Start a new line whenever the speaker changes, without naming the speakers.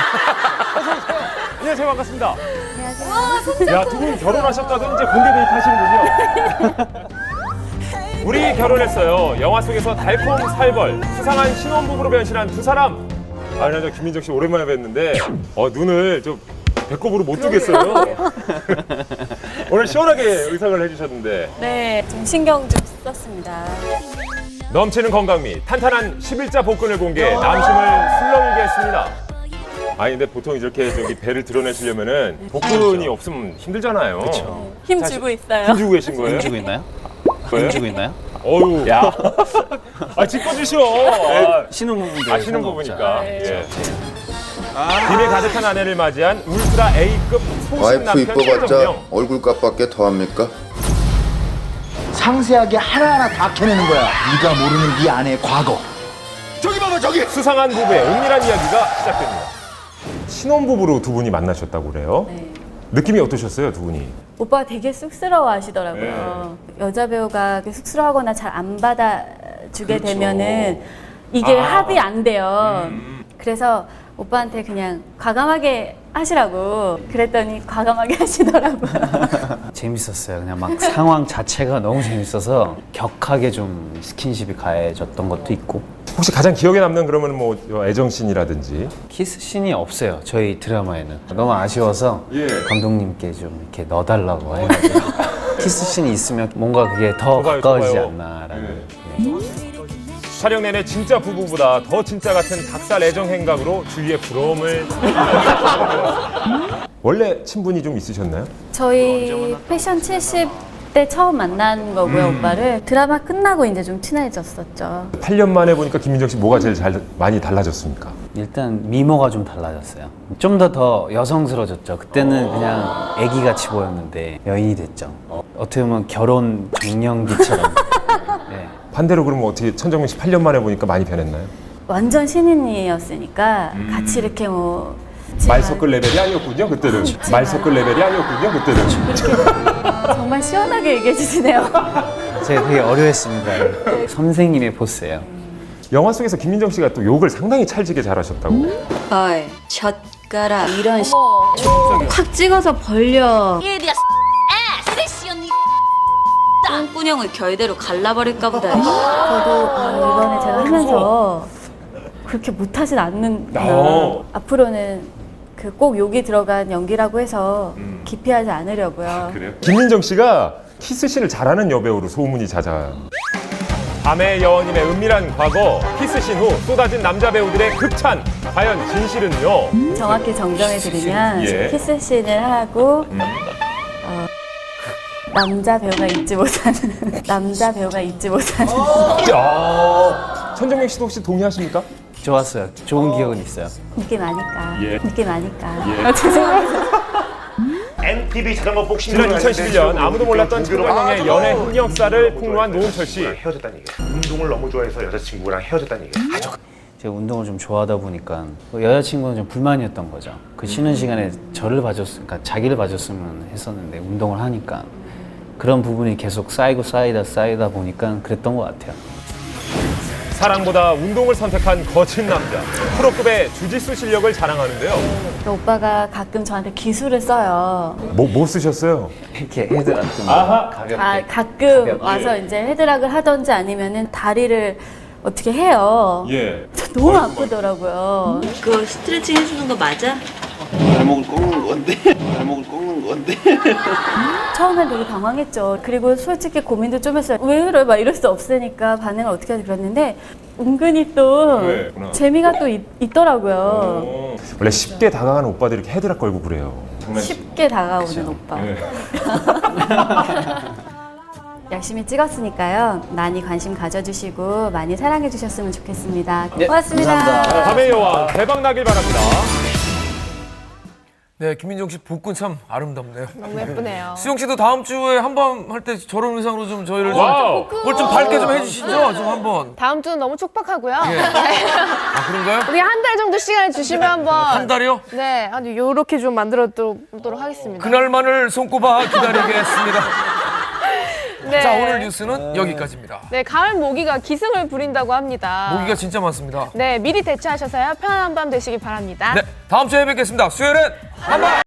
안녕하세요. 반갑습니다.
안녕하세요.
야, 두 분 결혼하셨다던 이제 공개 데이트 하시는군요. 우리 결혼했어요. 영화 속에서 달콤 살벌, 수상한 신혼부부로 변신한 두 사람. 아, 나 저 김민정 씨 오랜만에 뵀는데 눈을 좀 배꼽으로 못 뜨겠어요. 오늘 시원하게 의상을 해주셨는데.
네, 좀 신경 좀 썼습니다.
넘치는 건강미, 탄탄한 11자 복근을 공개해 남심을 술렁이게 했습니다. 아니 근데 보통 이렇게 배를 드러내시려면은 복근이 없으면 힘들잖아요.
그렇죠.
힘 주고 있어요.
힘주고 계신 거예요?
힘주고 있나요?
거예요?
힘주고 있나요?
어유. 야. 아 짚어주셔.
신혼부부인데.
아시는 부부니까.
네.
예. 김에 가득한 아내를 맞이한 울트라 A급 소신
와이프
남편
이뻐봤자
최정명.
얼굴값밖에 더합니까?
상세하게 하나하나 다 캐내는 거야. 네가 모르는 네 아내의 과거. 저기 봐봐 저기.
수상한 부부의 은밀한 이야기가 시작됩니다. 신혼부부로 두 분이 만나셨다고 그래요?
네.
느낌이 어떠셨어요, 두 분이?
오빠가 되게 쑥스러워 하시더라고요. 여자 배우가 쑥스러워하거나 잘 안 받아주게
그렇죠.
되면은 이게 합이 안 돼요. 그래서 오빠한테 그냥 과감하게 하시라고 그랬더니 과감하게 하시더라고요.
재밌었어요. 그냥 막 상황 자체가 너무 재밌어서 격하게 좀 스킨십이 가해졌던 것도 있고.
혹시 가장 기억에 남는 그러면 뭐 애정씬이라든지
키스 씬이 없어요. 저희 드라마에는. 너무 아쉬워서
예.
감독님께 좀 이렇게 넣어달라고 해가지고 키스 씬이 있으면 뭔가 그게 더
좋아요,
가까워지지
좋아요.
않나라는.
촬영 내내 진짜 부부보다 더 진짜 같은 닭살 애정 행각으로 주위에 부러움을 원래 친분이 좀 있으셨나요?
저희 패션 70때 처음 만난 거고요, 오빠를. 드라마 끝나고 이제 좀 친해졌었죠.
8년 만에 보니까 김민정 씨 뭐가 제일 많이 달라졌습니까?
일단 미모가 좀 달라졌어요. 좀 더 여성스러워졌죠. 그때는 그냥 애기같이 보였는데 여인이 됐죠. 어떻게 보면 결혼 정년기처럼. 네.
반대로 그러면 어떻게 천정명 씨 8년 만에 보니까 많이 변했나요?
완전 신인이었으니까 같이 이렇게 뭐
말 섞을 레벨이 아니었군요, 그때는. 말 섞을 레벨이 아니었군요, 그때는.
정말 시원하게 얘기해 주시네요.
제가 되게 어려했습니다. 선생님의 포스예요.
영화 속에서 김민정 씨가 또 욕을 상당히 찰지게 잘하셨다고.
어이, 젓가락 이런 확 찍어서 벌려. 똥꾸녕을 결대로 갈라버릴까 보다.
저도 이번에 제가 하면서 그렇게 못하진 않는구나. 앞으로는 그 꼭 욕이 들어간 연기라고 해서 기피하지 않으려고요.
김민정 씨가 키스씬을 잘하는 여배우로 소문이 잦아요. 밤의 여원님의 은밀한 과거, 키스씬 후 쏟아진 남자 배우들의 극찬. 과연 진실은요?
정확히 정정해드리면
예.
키스씬을 하고 남자 배우가 잊지 못하는
천정명 씨도 혹시 동의하십니까?
좋았어요. 좋은 기억은 있어요.
느낌 아니까.
예.
느낌 아니까. 죄송해요.
MTV 자전거 복싱
지난 2011년 아무도 몰랐던 천정명의 연애 흑역사를 폭로한 노은철 씨.
헤어졌다는 얘기야. 운동을 너무 좋아해서 여자친구랑 헤어졌다는 얘기야.
제가 운동을 좀 좋아하다 보니까 여자친구는 좀 불만이었던 거죠. 그 쉬는 시간에 저를 봐줬으니까 자기를 봐줬으면 했었는데 운동을 하니까 그런 부분이 계속 쌓이다 보니까 그랬던 것 같아요.
사랑보다 운동을 선택한 거친 남자. 프로급의 주짓수 실력을 자랑하는데요.
그 오빠가 가끔 저한테 기술을 써요.
뭐 쓰셨어요?
이렇게 헤드락 좀
아하.
가볍게.
가끔
가볍게.
와서 이제 헤드락을 하던지 아니면은 다리를 어떻게 해요.
예.
너무 아프더라고요.
그거 스트레칭 해주는 거 맞아?
발목을 꺾는 건데. 발목을 꺾는 건데.
처음엔 되게 당황했죠. 그리고 솔직히 고민도 좀 했어요. 왜 그래? 막 이럴 수 없으니까 반응을 어떻게 하지 그랬는데 은근히 또
네.
재미가 또 있더라고요.
원래 쉽게 다가가는 오빠들이 이렇게 헤드락 걸고 그래요.
쉽게 다가오는 오빠.
네.
열심히 찍었으니까요. 많이 관심 가져주시고 많이 사랑해 주셨으면 좋겠습니다.
네,
고맙습니다.
감사합니다.
밤의 여왕 대박 나길 바랍니다.
네, 김민정 씨 복근 참 아름답네요.
너무 예쁘네요.
수영 씨도 다음 주에 한번 할 때 저런 의상으로 좀 저희를
와우.
뭘 좀 밝게 좀 해주시죠, 좀 한번.
다음 주는 너무 촉박하고요.
예. 아 그런가요?
우리 한 달 정도 시간을 주시면 한번
한 달이요?
네, 아주 요렇게 좀 만들어 보도록 하겠습니다.
그날만을 손꼽아 기다리겠습니다.
네.
자, 오늘 뉴스는 여기까지입니다.
네, 가을 모기가 기승을 부린다고 합니다.
모기가 진짜 많습니다.
네, 미리 대처하셔서요. 편안한 밤 되시기 바랍니다.
네, 다음 주에 뵙겠습니다. 수요일엔 한번